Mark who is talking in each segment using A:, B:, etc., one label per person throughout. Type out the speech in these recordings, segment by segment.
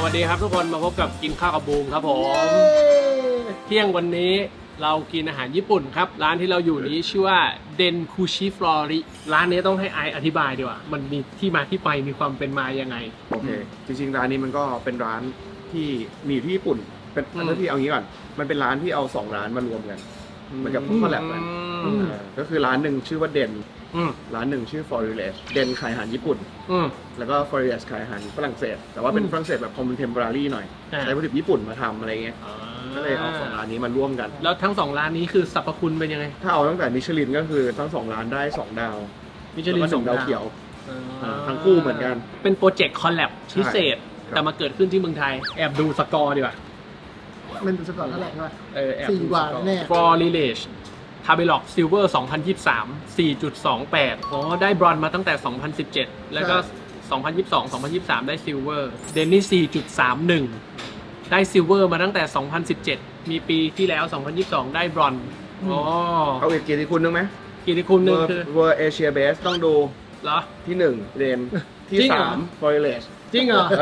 A: วัสดีครับทุกคนมาพบกับกินข้าวกับบูมครับผมเที่ยงวันนี้เรากินอาหารญี่ปุ่นครับร้านที่เราอยู่นี้ชื่อว่าเดนคูชิฟลอริร้านนี้ต้องให้ไออธิบายดีกว่ามันมีที่มาที่ไปมีความเป็นมายังไง
B: โอเคจริงๆร้านนี้มันก็เป็นร้านที่มีอยู่ที่ญี่ปุ่นเป็นอันที่เอางี้ก่อนมันเป็นร้านที่เอา2ร้านมารวมกันเหมือนกับคอลแลบกันก็คือร้านหนึ่งชื่อว่าเดนร้านหนึ่งชื่อ Foriles เดนขายอาหารญี่ปุ่นแล้วก็ Foriles ขายอาหารฝรั่งเศสแต่ว่าเป็นฝรั่งเศสแบบ contemporary หน่อยใช้วัตถุดิบญี่ปุ่นมาทำอะไรเงี้ยก็เลยเอา2ร้านนี้มาร่วมกัน
A: แล้วทั้ง2ร้านนี้คือสรรพคุณเป็นยังไง
B: ถ้าเอาตั้งแต่มิชลินก็คือทั้ง2ร้านได้2ดาว
A: มิชลิน2
B: ดาวเขียวทั้งคู่เหมือนกัน
A: เป็นโปรเจกต์คอลแลบพิเศษแต่มาเกิดขึ้นที่เมืองไทยแอบดูสกอร์ดีกว่า
C: มันดูสกอร์เท่าไหร่ใช่ไหม
A: 4 กว่าแน่ Forilesทาเบล็อกซิลเวอร์ 2023 4.28 อ๋อได้บรอนซ์มาตั้งแต่ 2017 แล้วก็ 2022 2023 ได้ซิลเวอร์เดนนี่ 4.31 ได้ซิลเวอร์มาตั้งแต่ 2017 มีปีที่แล้ว 2022 ได้บรอนซ์อ๋อ
B: เอาอีกกี่ที่คุณนึงไหม
A: กี่ที่คุณนึงคือ
B: World Asia Base ต้องดู
A: เหรอ
B: ที่1เดนที่3 Foriles
A: จริงเหรอ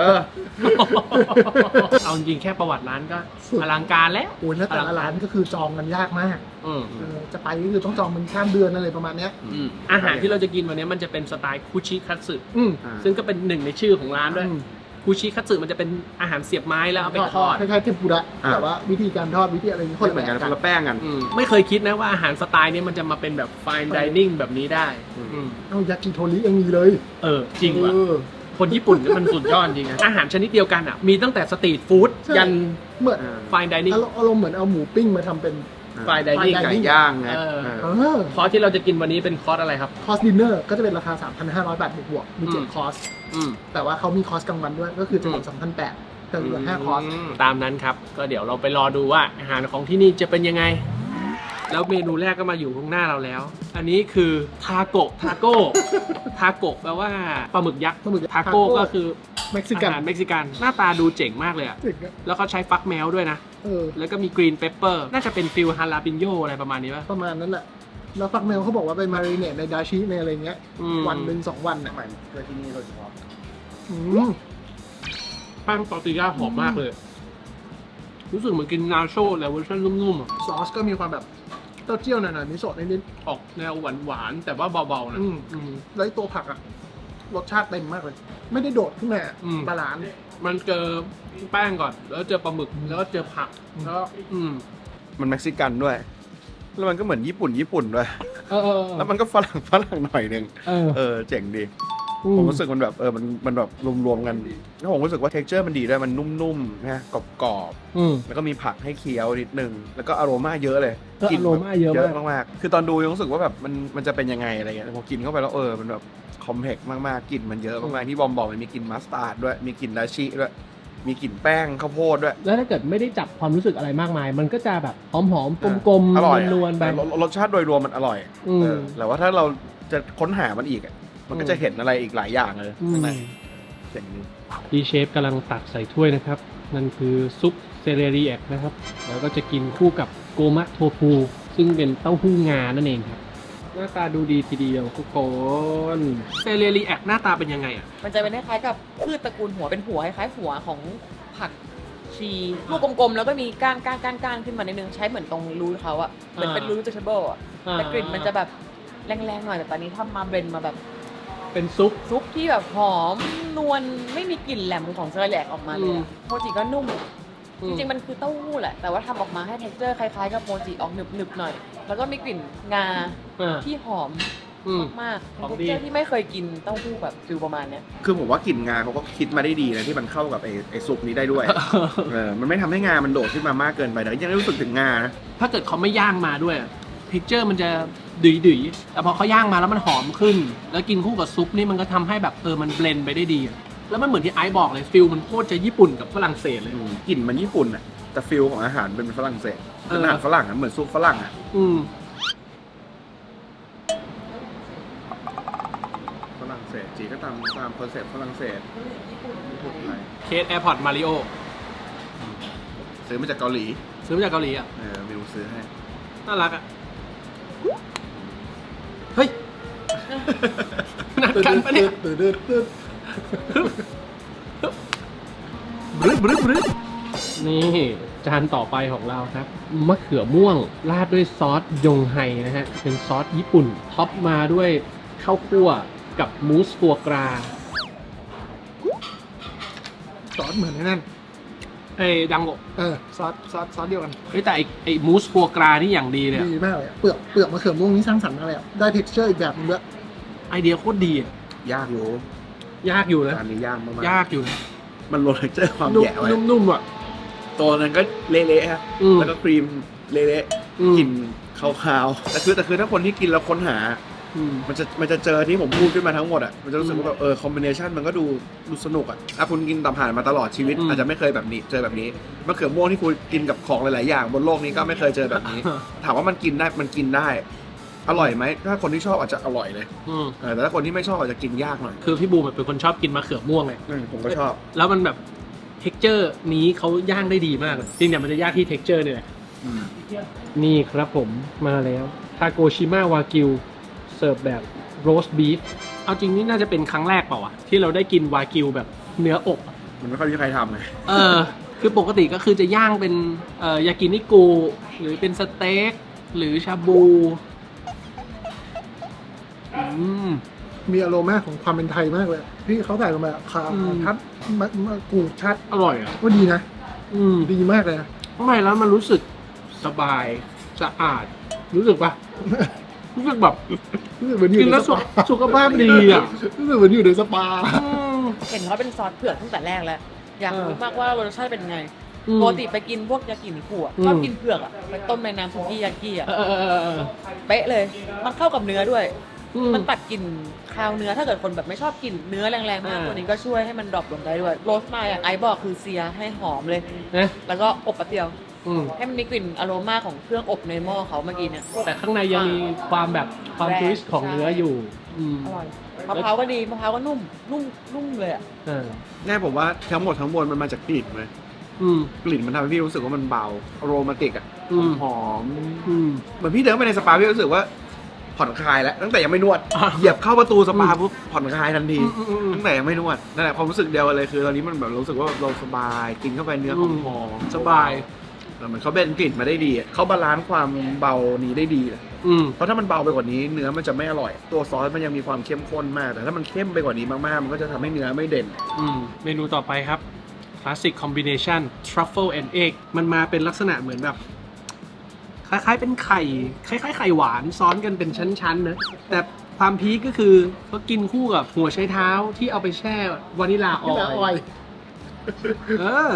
A: เอาจริงแค่ประวัติร้านก็อลังการแล้ว
C: โอ้ยแล้วแต่ละร้านก็คือจองกันยากมากจะไปก็คือต้องจองเป็นข้ามเดือนอะไรประมาณนี้
A: อาหารที่เราจะกินวันนี้มันจะเป็นสไตล์คุชิคัตสึซึ่งก็เป็นหนึ่งในชื่อของร้านด้วยคุชิคัตสึมันจะเป็นอาหารเสียบไม้แล้วเอาไปทอด
C: คล้ายๆเทมปุระแต่ว่าวิธีการทอดวิธีอะไรนี่คน
B: เหมือนกันคนละแป้งกัน
A: ไม่เคยคิดนะว่าอาหารสไตล์นี้มันจะมาเป็นแบบไฟน์ไดนิ่งแบบนี้ได้
C: เอายากิโทริยังมีเลย
A: จริงว่ะคนญี่ปุ่นมันสุดยอดจริงนะอาหารชนิดเดียวกันอ่ะมีตั้งแต่สตรีทฟู้ดยัน
C: เหมือน
A: ไฟน์ไดนิ่ง
C: อารมณ์เหมือนเอาหมูปิ้งมาทำเป็น
A: ไฟน์ไดนิ่ง
B: ไก่ย่างนะ
A: คอร์สที่เราจะกินวันนี้เป็นคอร์สอะไรครับ
C: คอร์สดินเนอร์ก็จะเป็นราคา 3,500 บาทบวกมี7คอร์สแต่ว่าเขามีคอร์สกลางวันด้วยก็คือจะเป็น 2,800 แต่เหลือ5คอร์ส
A: ตามนั้นครับก็เดี๋ยวเราไปรอดูว่าอาหารของที่นี่จะเป็นยังไงแล้วเมนูแรกก็มาอยู่ข้างหน้าเราแล้วอันนี้คือทาโกะแปลว่าปลาหมึกยักษ์ทาโก้ก็คือ
C: เม็กซิกัน
A: หน้าตาดูเจ๋งมากเลยอ่ะแล้วเขาใช้ฟักแมวด้วยนะแล้วก็มีกรีนเปปเปอร์น่าจะเป็นฟิลฮาลาปิโยอะไรประมาณนี้ป่ะ
C: ประมาณนั้นแหละแล้วฟักแมวเขาบอกว่าไปมาริเนตในดาชิในอะไรเงี้ยวันหนึ่ง2 วัน
B: ใหม่เพื่อที่นี่โดยเฉพาะ
A: แป้งตอร์ติญาหอมมากเลยรู้สึกเหมือนกินนาโชแต่เวอร์ชันนุ่มๆอ่ะ
C: ซอสก็มีความแบบเต้าเจี้ยวหน่อยๆมิโซะนิด
A: ๆออกแนวหวานๆแต่ว่าเบาๆนะ
C: แล้วตัวผักอ่ะรสชาติเต็มมากเลยไม่ได้โดดขึ้นมาบาลานซ์
A: มันเจอแป้งก่อนแล้วเจอปลาหมึกแล้วก็เจอผักแล้ว
B: มันเม็กซิกันด้วยแล้วมันก็เหมือนญี่ปุ่นด้วยแล้วมันก็ฝรั่งหน่อยนึงเจ๋งดีผมรู้สึกมันแบบมันแบบรวมๆกันแล้วผมรู้สึกว่า texture มันดีด้วยมันนุ่มๆนะกรอบๆแล้วก็มีผักให้เคี้ยวนิดนึงแล้วก็อโรมาเยอะเลย
A: กลิ่นอโรมาเยอะ
B: มากๆคือตอนดูยังรู้สึกว่าแบบมันจะเป็นยังไงอะไรเงี้ยพอกินเข้าไปแล้วมันแบบคอมเพล็กซ์มากๆกลิ่นมันเยอะมากๆที่บอมบอกมันมีกลิ่นมัสตาร์ดด้วยมีกลิ่นดาชิด้วยมีกลิ่นแป้งข้าวโพดด้วย
A: แล้วถ้าเกิดไม่ได้จับความรู้สึกอะไรมากมายมันก็จะแบบหอมๆกลมๆนวลๆไป
B: รสชาติโดยรวมมันอร่อยแต่ว่าถ้าเราจะค้นหามันอีกมันก็จะเห็นอะไรอีกหลายอย่างเลยข้างในเจ๋งดี
A: พี่เชฟกำลังตักใส่ถ้วยนะครับนั่นคือซุปเซเลรีแอกนะครับแล้วก็จะกินคู่กับโกมะโทฟูซึ่งเป็นเต้าหู้งานั่นเองครับหน้าตาดูดีทีเดียวทุกคนเซเลรีแอกหน้าตาเป็นยังไงอ่ะ
D: มันจะเป็นคล้ายๆกับพืชตระกูลหัวเป็นหัวคล้ายๆหัวของผักชีลูกกลมๆแล้วก็มีก้านขึ้นมาในนึงใช้เหมือนตรงรูเขาอะเหมือนเป็นรูทเจเบิลอะแต่กลิ่นมันจะแบบแรงๆหน่อยแต่ตอนนี้ทำมาเบรนมาแบบ
A: เป็นซุป
D: ที่แบบหอมนวลไม่มีกลิ่นแหลมของเซอร์แลกออกมาเลยโมจิก็นุ่มจริงๆมันคือเต้าหู้แหละแต่ว่าทำออกมาให้เท็กเจอร์คล้ายๆกับโมจิออกหนึบๆหน่อยแล้วก็มีกลิ่นงาที่หอมมากๆเป็นเท็กเจอร์ที่ไม่เคยกินเต้าหู้แบบฟิลประมาณเนี้ย
B: คือผมว่ากลิ่นงาเขาก็คิดมาได้ดีนะที่มันเข้ากับไอ้ซุปนี้ได้ด้วยมันไม่ทำให้งามันโดดขึ้นมามากเกินไปแต่ยังรู้สึกถึงงานะ
A: ถ้าเกิดเขาไม่ย่างมาด้วยเท็กเจอร์มันจะดุยๆแต่พอเขาย่างมาแล้วมันหอมขึ้นแล้วกินคู่กับซุปนี่มันก็ทำให้แบบมันเบลนด์ไปได้ดีแล้วมันเหมือนที่ไอซ์บอกเลยฟิลมันโคตรจะญี่ปุ่นกับฝรั่งเศสเลย
B: กลิ่นมันญี่ปุ่นอ่ะแต่ฟิลของอาหารเป็นฝรั่งเศสเป็นอาหารฝรั่งอ่ะเหมือนซุปฝรั่งอ่ะฝรั่งเศสจีก็ตามคอนเซ็ปต์ฝรั่งเศส
A: เคสแอร์พอร์ตมาริโอ
B: ซื้อมาจากเกาหลี
A: อ่ะ
B: ไม่รู้ซื้อให้
A: น่ารักอ่ะเฮ้ยนัดกันปะเนี่ยบรึบรึบนี่จานต่อไปของเราครับมะเขือม่วงราดด้วยซอสยงไฮนะฮะเป็นซอสญี่ปุ่นท็อปมาด้วยข้าวคั่วกับมูสฟัวกรา
C: ซอสเหมือนนั่น
A: ไอ้ดังโก
C: ซอสเดียวกัน
A: เฮ้ยแต่ไอ้มูสฟัวกรานี่อย่างดีเลยอะ
C: ดีมากเลยอะเปลือกมะเขือม่วงนี่สร้างสรรค์มากเลยอะได้ texture อีกแบบนึงด้วย
A: ไอเดียโคตรดีอะ
B: ยากอยู่
A: ยากอยู่นะ
B: อันนี้ยากมากๆ
A: ยากอยู่นะ
B: มันโรยเจอความ
A: นุ่ม
B: แย่ไว้
A: นุ่มๆอ่ะ
B: ตัวนั้นก็เละๆฮะ
A: อืม
B: แล้วก็ครีมเละ
A: อืม
B: ๆกลิ่นคาวๆแต่คือถ้าคนที่กินแล้วค้นหา
A: อืม
B: มันจะเจอที่ผมพูดขึ้นมาทั้งหมดอ่ะ มันจะรู้สึกว่าแบบคอมบิเนชันมันก็ดูสนุกอ่ะ ถ้าคุณกินตับห่านมาตลอดชีวิต อาจจะไม่เคยแบบนี้ เจอแบบนี้มะเขือม่วงที่คุณกินกับของหลายๆอย่างบนโลกนี้ก็ไม่เคยเจอแบบนี้ ถามว่ามันกินได้ อร่อยไหม ถ้าคนที่ชอบอาจจะอร่อยเลย
A: อืม
B: แต่ถ้าคนที่ไม่ชอบอาจจะกินยากหน่อย
A: คือพี่บูมเป็นคนชอบกินมะเขือม่วงไง
B: ผมก็ชอบ
A: แล้วมันแบบเท็กเจอร์นี้เขาย่างได้ดีมากเลยจริงเนี่ยมันจะยากที่เท็กเจอร์นี่แหละนี่ครับผมมาแล้วทาโกชิมาวากิวเสิร์ฟแบบโรสต์บีฟเอาจริงนี่น่าจะเป็นครั้งแรกเปล่าวะที่เราได้กินวากิวแบบเนื้ออกอะ
B: มันไม่ค่อยมีใครทำไง
A: คือปกติก็คือจะย่างเป็นยากินิกุหรือเป็นสเต็กหรือชาบู
C: มีอารมณ์ของความเป็นไทยมากเลยที่เขาใส่ลงไปคาทัดมะกรูดชัด
A: อร่อยอ่ะ
C: ก็ดีนะ ดีมากเลยนะ
A: ไม่แล้วมันรู้สึกสบายสะอาดรู้สึกปะ รู้สึกแบบ
C: รู้สึกเหมือนอยู่
A: กิน
C: ใน
A: แล้ว
C: สปา
A: สุขภาพดีอ่ะ
C: รู้สึกเหมือนอยู่ในสปา
D: เห็นเขาเป็นซอสเผือกตั้งแต่แรกแล้ว อยากรู้มากว่ารสชาติเป็นไง
A: อืม
D: ปกติไปกินพวกยากินิคุอะชอบกินเผือกอะไปต้มในน้ำซุกี้ยากิอะเป๊ะเลย มันเข้ากับเนื้อด้วย มันตัดกลิ่นคาวเนื้อถ้าเกิดคนแบบไม่ชอบกลิ่นเนื้อแรงๆมากตัวนี้ก็ช่วยให้มันดรอปลงได้ด้วยโรสมาอย่างไอซ์บอกคือเซียให้หอมเลย
A: นะ
D: แล้วก็อบแป๊บเดียว
A: อืม
D: ให้มันมีกลิ่นอโรมาของเครื่องอบในหม้อเขาเมื่อกี้เนี่ย
A: แต่ข้างในยังมีความแบบความ
D: แรง
A: ทวิสต์ของเนื้ออยู่
D: อร่อยมะพร้าวก็ดีมะพร้าวก็นุ่มเลยอะ
A: เออ
B: ง่ายผมว่าทั้งหมดทั้งมวลมันมาจากกลิ่นไหม
A: อืม
B: กลิ่นมันทำให้พี่รู้สึกว่ามันเบาโรแมนติกอ่ะ
A: อืม
B: หอม
A: อืม
B: เหมือนพี่เดินไปในสปาพี่รู้สึกว่าผ่อนคลายแล้วตั้งแต่ยังไม่นวด
A: อ่ะ
B: เหยียบเข้าประตูสปาปุ๊บผ่อนคลายทันที
A: อืม
B: ตั้งแต่ยังไม่นวดนั่นแหละความรู้สึกเดียวกันเลยคือตอนนี้มันแบบรู้สึกว่าเราสบายกินเข้าไปเนื้อหอมๆ
A: สบาย
B: แล้วเหมือนเขาเบนกลิ่นมาได้ดีอะเขาบาลานซ์ความเบานี้ได้ดีเลย
A: อืม
B: เพราะถ้ามันเบาไปกว่านี้เนื้อมันจะไม่อร่อย ตัวซอสมันยังมีความเข้มข้นมาก แต่ถ้ามันเข้มไปกว่านี้มากๆมันก็จะทำให้เนื้อไม่เด่น
A: เมนูต่อไปครับ Classic Combination Truffle and Egg มันมาเป็นลักษณะเหมือนแบบ คล้ายๆเป็นไข่ คล้ายๆไข่หวานซ้อนกันเป็นชั้นๆนะแต่ความพีคก็คือเขากินคู่กับหัวไชเท้าที่เอาไปแช่วานิลาอ
C: ที่
A: อ
C: ละออย
A: ล์เออ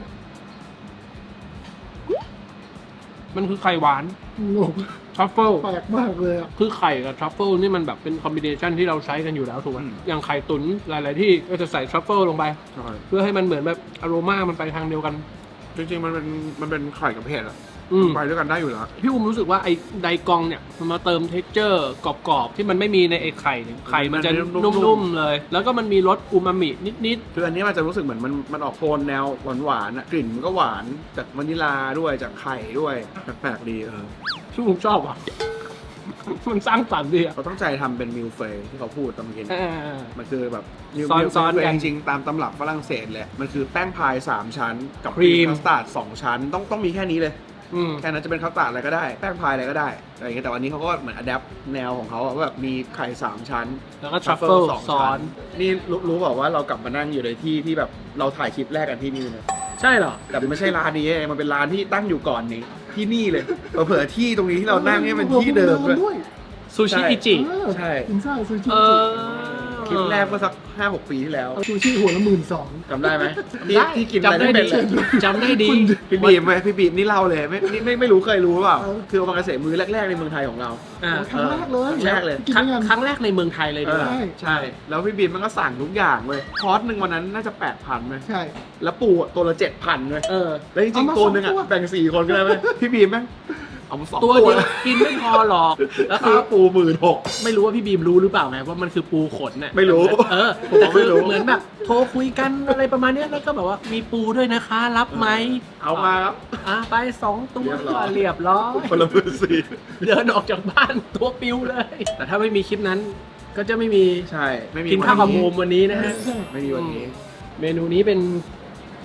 A: มันคือไข่หวาน
C: งง
A: ทรัฟเฟิล
C: แปลกมากเลยอ่ะ
A: คือไข่กับทรัฟเฟิลนี่มันแบบเป็นคอมบิเนชันที่เราใช้กันอยู่แล้วถูกไหม
B: อืม
A: อย่างไข่ตุ๋นหลาย ๆ ที่ก็จะใส่ทรัฟเฟิลลงไป เพื่อให้มันเหมือนแบบอโรมามันไปทางเดียวกัน
B: จริงๆมันเป็นไข่กับเผ็ดอะ
A: อืม
B: ไปด้วยกันได้อยู่แล้ว
A: พี่อุ้มรู้สึกว่าไอ้ไดกองเนี่ยมันมาเติมเท็กเจอร์กรอบๆ ที่มันไม่มีในไอ้ไข่เนี่ยไข่มันจะ
B: มันนุ่มๆ
A: นุ่มๆเลย แล้วก็มันมีรสอูมามินิด
B: คืออันนี้มันจะรู้สึกเหมือนมันออกโทนแนวหวานๆอะกลิ่นมันก็หวานจากวานิลาด้วยจากไข่ด้วยแปลกๆดี
A: ๆที่ผมชอบอ่ะ มันสร้างสรรค์ดีอ่ะ
B: เขาต้องใจทำเป็นมิลเฟยที่เขาพูดตอนเมื่อกี้ มันคือแบบ
A: ซ้อนๆกัน
B: จริงๆตามตำรับฝรั่งเศสแหละ มันคือแป้งพาย 3 ชั้น กับ
A: ครีม
B: คัสตาร์ด2 ชั้น ต้องมีแค่นี้เลย
A: อืม
B: แค่นั้นจะเป็นคัสตาร์ดอะไรก็ได้ แป้งพายอะไรก็ได้อะไรอย่างเงี้ยแต่วันนี้เขาก็เหมือนอัดแอปแนวของเขาอะว่าแบบมีไข่ 3 ชั้น
A: แล้วก็ทรัฟเฟิล
B: สอง
A: ซ้อ
B: ชั้
A: น
B: นี่รู้บอกว่าเรากลับมานั่งอยู่ในที่ที่แบบเราถ่ายคลิปแรกกันที่นี่เลย
A: ใช่เหรอ
B: แต่ไม่ใช่ร้านนี้มันเป็นร้านที่ตั้งอยู่ก่อนนี้ที่นี่เลยเผื่อที่ตรงนี้ที่เรานั่งเนี่ยเป็นที่เดิมด้วย
A: ซูชิอิจิ
B: ใช่
C: อินซ่าซูชิ
A: เออ
B: คลิปแรกเมื่อสัก 5-6 ปีที่แล้ว
C: ซูชิหัวละ12,000
B: จำได้ไหมที่กินอะไร
A: จำได้
B: ไม่
A: ดี
B: เป็นเลย
A: จำได้ดี
B: พี่บีมไหมพี่บีมนี่เล่าเลยไม่รู้เคยรู้หรือเปล่าคือโอมากาเสะมือแรกๆในเมืองไทยของเรา
A: อ่า
C: ครั้งแรกเลย
B: ครั้งแรกเลย
C: กิน
A: ครั้ง
C: ด้วยกัน
A: ครั้งแรกในเมืองไทยเลยดีกว่า
B: ใช่แล้วพี่บีมมันก็สั่งทุกอย่างเลยคอร์สหนึ่งวันนั้นน่าจะ 8,000ไหม
C: ใช่
B: แล้วปูอะตัวละ 7,000เลย
A: เออ
B: แล้วจริง
C: เอามา
B: ๆตัวหนึง
C: สองตั
B: อ่ะ
C: ว
B: แบ่ง4 คนก็ได้ไหมพี่บีมแม่งเอามา2
A: ตัว
B: ตัว
A: เดียวกินไม่พอหรอก แล้วคื
B: ค่า
A: อ
B: ปู16,000
A: ไม่รู้ว่าพี่บีมรู้หรือเปล่าไงว่ามันคือปูขนน่ะ
B: ไม่รู้
A: เออ
B: ผมก็ไม่รู้
A: เหมือนแบบโทรคุยกันอะไรประมาณเนี้ยแล้วก็แบบว่ามีปูด้วยนะคะรับไหม
B: เอามาครับ
A: ไป2 ตัว
B: เรียบร้อย
A: เรียบร้อย
B: คนละมือสี่
A: เดินออกจากบ้านตัวปิวเลย แต่ถ้าไม่มีคลิปนั้น ก็จะไม่มี
B: ใช่ไม่มี
A: กินข้าวกับโม
B: วั
A: มวันนี้นะฮะ
B: ไม่มีวันนี้
A: เมนูนี้เป็น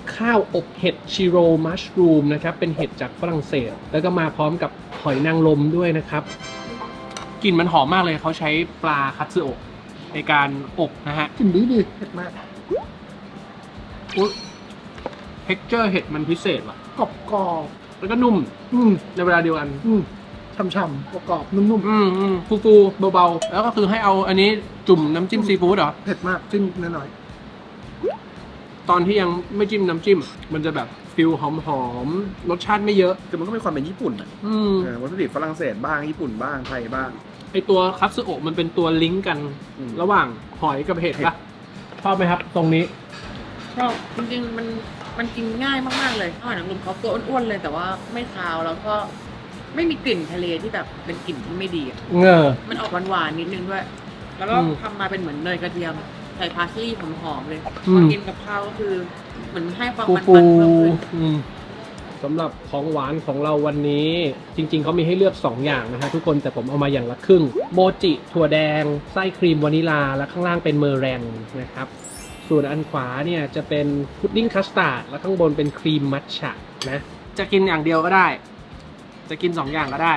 A: ข้าวอบเห็ดชิโรมัชรูมนะครับเป็นเห็ดจากฝรั่งเศส แล้วก็มาพร้อมกับหอยนางรมด้วยนะครับกลิ่นมันหอมมากเลยเขาใช้ปลาคัตสึโอะในการอบนะฮะ
C: กลิ่นดีเผ็ดมาก
A: อุ๊ยเท็กเจอร์เห็ดมันพิเศษว่ะ
C: กรอบกรอบ
A: แล้วก็นุ่ม ในเวลาเดียวกัน
C: ฉ่ำๆกรอบๆนุ่ม
A: ฟูๆเบาๆแล้วก็คือให้เอาอันนี้จุ่มน้ำจิ้มซีฟู้ดเหรอ
C: ๆเผ็ดมากจิ้มหน่อย
A: ตอนที่ยังไม่จิ้มน้ำจิ้ม มันจะแบบฟิลหอมๆรสชาติไม่เยอะ
B: คือมันก็มีความเป็นญี่ปุ่นอะวัตถุดิบฝรั่งเศสบ้างญี่ปุ่นบ้างไทยบ้าง
A: ไอตัวคัตสึโอะมันเป็นตัวลิงก์กัน ระหว่างหอยกับเห็ดปะชอบไหมครับ ตรงนี้
D: ชอบจริงๆมันกินง่ายมากๆเลยหอยนางรมเขาตัวอ้วนๆเลยแต่ว่าไม่คาวแล้วก็ไม่มีกลิ่นทะเลที่แบบเป็นกลิ่นที่ไม่ดีอะ มันออกหวานๆนิดนึงด้วย แล้วก็ทำมาเป็นเหมือนเนยกระเทียมใส่พาสลีย์หอมๆเลยพอกินกับข้าวก็คือเหมือนให้ความมัน
A: ฟู
D: ๆเพิ่มขึ้น
A: สำหรับของหวานของเราวันนี้ จริงๆเขามีให้เลือก 2 อย่างนะฮะทุกคนแต่ผมเอามาอย่างละครึ่งโมจิถั่วแดงไส้ครีมวานิลาและข้างล่างเป็นเมอร์แรงนะครับส่วนอันขวาเนี่ยจะเป็นพุดดิ้งคัสตาร์ดและข้างบนเป็นครีมมัทฉะนะจะกินอย่างเดียวก็ได้ จะกิน 2 อย่างก็ได้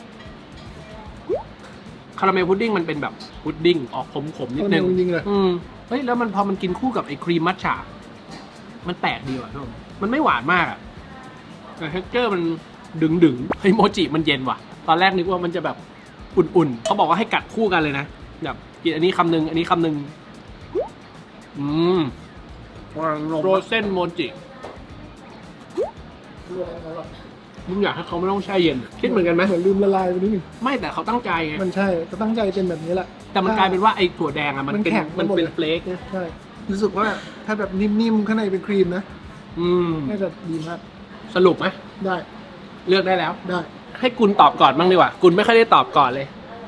A: คาราเมลพุดดิ้งมันเป็นแบบพุดดิ้งออกขมๆนิดนึง
C: คาราเมลจริงๆเลย
A: เฮ้ยแล้วมันพอมันกินคู่กับไอ้ครีมมัทฉะมันแปลกดีว่ะทุกคนมันไม่หวานมากอะแต่เท็กเจอร์มันดึงเฮ้ยโมจิมันเย็นว่ะ ตอนแรกนึกว่ามันจะแบบอุ่นๆเขาบอกว่าให้กัดคู่กันเลยนะแบบกินอันนี้คำนึงอันนี้คำนึงโรเซนโมจิมึงอยากให้เขาไม่ต้องแช่เย็นคิดเหมือนกันไหม
C: เหมือนลืมละลายไปนิดนึง
A: ไม่แต่เขาตั้งใจไง
C: มันใช่ก็ตั้งใจเป็นแบบนี้แหละ
A: แต่มันกลายเป็นว่าไอ้ถั่วแดงอะมันเป็น
C: มันแข็ง
A: มัน
C: ไปหมด
A: เป็น
C: เลย
A: เฟลกนะ
C: ใช่รู้สึกว่าถ้าแบบนิ่มๆข้างในเป็นครีมนะน่าจะดีมาก
A: สรุปไหม
C: ได้
A: เลือกได้แล้ว
C: ได้
A: ให้กุลตอบก่อนบ้างดีกว่ากุลไม่ค่อยได้ตอบก่อนเลย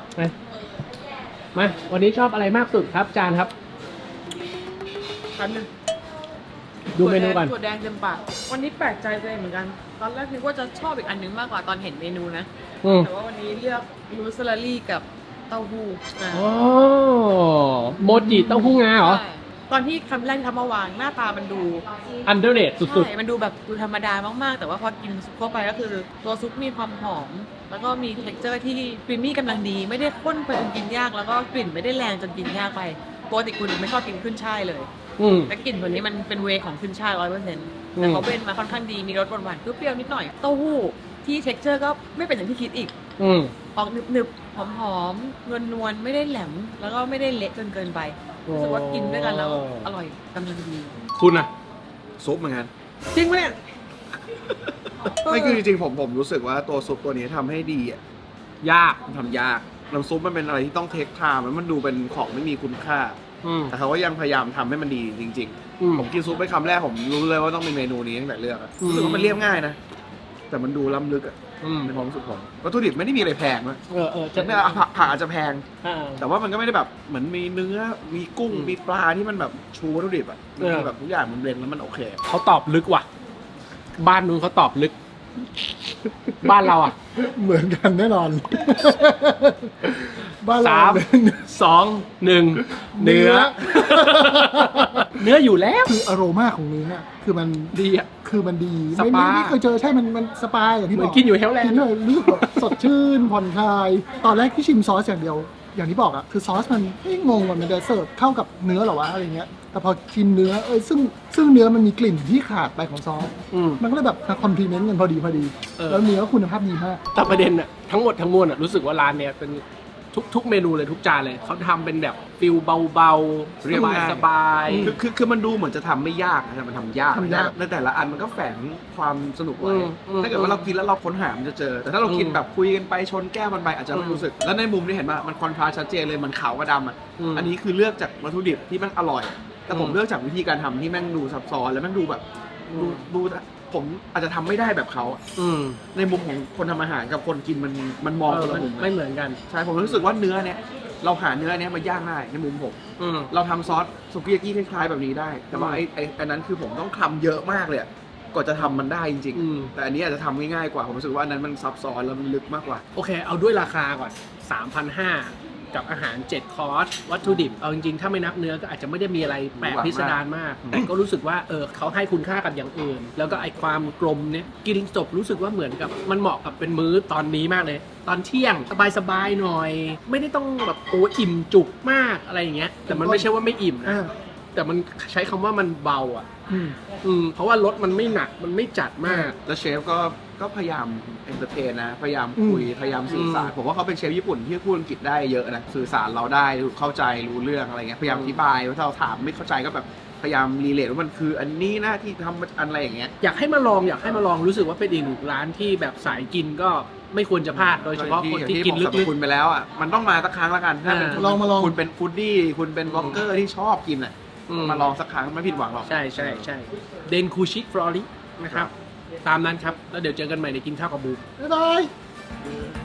A: มาวันนี้ชอบอะไรมากสุดครับจานครับ
D: อันนึง
A: ดูเมนูก่อน
D: ถั่วแดงเต็มปากวันนี้แปลกใจตัวเองเหมือนกัน ตอนแรกนึกว่าจะชอบอีกอันนึงมากกว่าตอนเห็นเมนูนะ แต่ว่าวันนี้เลือกรูสลารี่กับเต้าหู้อ่ะ
A: อ๋อโมจิเต้าหู้งาเหรอ
D: ใช่ตอนที่คำแรกที่ทำมาวางหน้าตามันดู
A: อันเดอร์เรทสุด
D: ใช่มันดูแบบดูธรรมดามากๆ แต่ว่าพอกินซุปเข้าไปก็คือ ตัวซุปมีความหอม แล้วก็มีเท็กเจอร์ที่ครีมมี่กำลังดี ไม่ได้ข้นไปจนกินยาก แล้วก็กลิ่นไม่ได้แรงจนกินยากไปปกติคุณไม่ชอบกินขึ้นช่ายเลย
A: ๆ
D: แต่กลิ่นตัวนี้มันเป็นเวย์ของขึ้นช่าย100%แต่เขาเป็นมาค่อนข้างดี มีรสหวานๆเปรี้ยวๆนิดหน่อย เต้าหู้ที่เท็กเจอร์ก็ไม่เป็นอย่างที่คิดอีก ออกหนึบๆ หอมๆ นวลๆ ไม่ได้แหลม แล้วก็ไม่ได้เละจนเกินไป รู้สึกว่ากินด้วยกันแล้วอร่อยกำลังดี
A: คุณอะ
B: ซุปเหมือนกัน
A: จริงปะเนี่ย
B: ไม่คือจริงๆผมรู้สึกว่าตัวซุปตัวนี้ทำให้ดีอ่ะ
A: ยาก
B: มันทำยากน้ำซุปมันเป็นอะไรที่ต้องเทคไทม์แล้วมันดูเป็นของไม่มีคุณค่า แต่เขาก็ยังพยายามทำให้มันดีจริงๆ ผมกินซุปไปคำแรกผมรู้เลยว่าต้องเป็นเมนูนี้ตั้งแต่เลือกอะรู้สึกว่ามันเรียบง่ายนะ แต่มันดูล้ำลึกอะในความรู้สึกผมวัตถุดิบไม่ได้มีอะไรแพงนะ
A: จะ
B: ไม่ผักอาจจะแพง แต่ว่ามันก็ไม่ได้แบบเหมือนมีเนื้อมีกุ้งมีปลาที่มันแบบชูวัตถุดิบอะมันคือแบบทุกอย่างมันเบลนด์แล้วมันโอเค
A: เขาตอบลึกว่ะ บ้านนู้นเขาตอบลึก บ้านเราอ่ะ
C: เหมือนกันแน่นอน บ้านเรา
A: 3 2 1 เนื้อ เนื้ออยู่แล้ว
C: คืออโรมาของเนื้อคือมัน
A: ดีอ่ะ
C: คือมันดี
A: สปา
C: ไม่เคยเจอใช่มันสปาอย่างที่
A: เห
C: บ
A: มื
C: อ
A: อก นกินอยู่เฮลแลน
C: กิน
A: ด์
C: เลยรู้สึกแบบสดชื่นผ่อนคลาย ตอนแรกที่ชิมซอสอย่างเดียว อย่างที่บอกอะคือซอสมันงงว่ามันจะเสิร์ฟเข้ากับเนื้อเหรอวะอะไรเงี้ยแต่พอชิมเนื้อซึ่งเนื้อมันมีกลิ่นที่ขาดไปของซอสมันก็เลยแบบคอมพลีเมนต์กันพอดีแล้วเนื้อคุณภาพดีมาก
A: แต่ประเด็นอะทั้งหมดทั้งมวลอะรู้สึกว่าร้านเนี้ยเป็นทุกเมนูเลยทุกจานเลยเขาทำเป็นแบบฟิลเบาๆ
B: เรียบง่าย
A: สบาย
B: คือมันดูเหมือนจะทำไม่ยากนะแต่มันทำยากในแต่ละอันมันก็แฝงความสนุกไว้ถ้าเกิดว่าเรากินแล้วเราค้นหามันจะเจอ แต่ถ้าเรากินแบบคุยกันไปชนแก้วมันไปอาจจะไม่รู้สึก แล้วในมุมนี้เห็นว่ามันคอนทราสต์ชัดเจนเลยมันขาวกับดำอ่ะอันนี้คือเลือกจากวัตถุดิบที่มันอร่อย แต่ผมเลือกจากวิธีการทำที่แม่งดูซับซ้อนแล้วแม่งดูแบบดูผมอาจจะทำไม่ได้แบบเขาในมุมของคนทำอาหารกับคนกินมันมองคนละมุม
A: ไม่เหมือนกัน
B: ใช่ผมรู้สึกว่าเนื้อเนี้ยเราหาเนื้อเนี้ยมาย่างได้ในมุมผม เราทำซอสสุกี้ยากิคล้ายๆแบบนี้ได้ แต่ว่าอันนั้นคือผมต้องทำเยอะมากเลยกว่าจะทำมันได้จริงๆแต่อันนี้อาจจะทำง่ายๆกว่าผมรู้สึกว่าอันนั้นมันซับซ้อนแล้วมันลึกมากกว่า
A: โอเค เอาด้วยราคาก่อน 3,500 กับอาหาร 7 คอร์สวัตถุดิบเอาจริงๆถ้าไม่นับเนื้อก็อาจจะไม่ได้มีอะไรแปลกพิสดารมาก แต่ก็รู้สึกว่าเขาให้คุณค่ากับอย่างอื่น แล้วก็ไอความกลมเนี่ยกินจบรู้สึกว่าเหมือนกับมันเหมาะกับเป็นมื้อตอนนี้มากเลย ตอนเที่ยงสบายๆหน่อย ไม่ได้ต้องแบบโอ้อิ่มจุกมากอะไรอย่างเงี้ยแต่มันไม่ใช่ว่าไม่อิ่มนะ แต่มันใช้คำว่ามันเบาอ่ะเพราะว่ารสมันไม่หนักมันไม่จัดมาก
B: แล้วเชฟก็พยายามเอนเตอร์เทนนะพยายามคุยพยายามสื่อสารผมว่าเขาเป็นเชฟญี่ปุ่นที่พูดอังกฤษได้เยอะนะสื่อสารเราได้เข้าใจรู้เรื่องอะไรเงี้ยพยายามอธิบายว่าถ้าเราถามไม่เข้าใจก็แบบพยายามรีเลทว่ามันคืออันนี้นะที่ทำอะไรอย่างเงี้ย
A: อยากให้มาลองรู้สึกว่าเป็นอีกหนึ่งร้านที่แบบสายกินก็ไม่ควรจะพลาดโดยเฉพาะคนที่กินลึก
B: คุณไปแล้วอ่ะมันต้องมาสักครั้งละกันถ้าเป็น
C: ลองมาลอง
B: คุณเป็นฟู้ดดี้คุณเป็นบล็อกเกอร์ที่ชอบกินอ่ะมาลองสักครั้งไม่ผิดหวังหรอก
A: ใช่เดนคูชิฟลอรินะครับตามนั้นครับแล้วเดี๋ยวเจอกันใหม่ในกินข้าวกับบู
C: บ๊ายบาย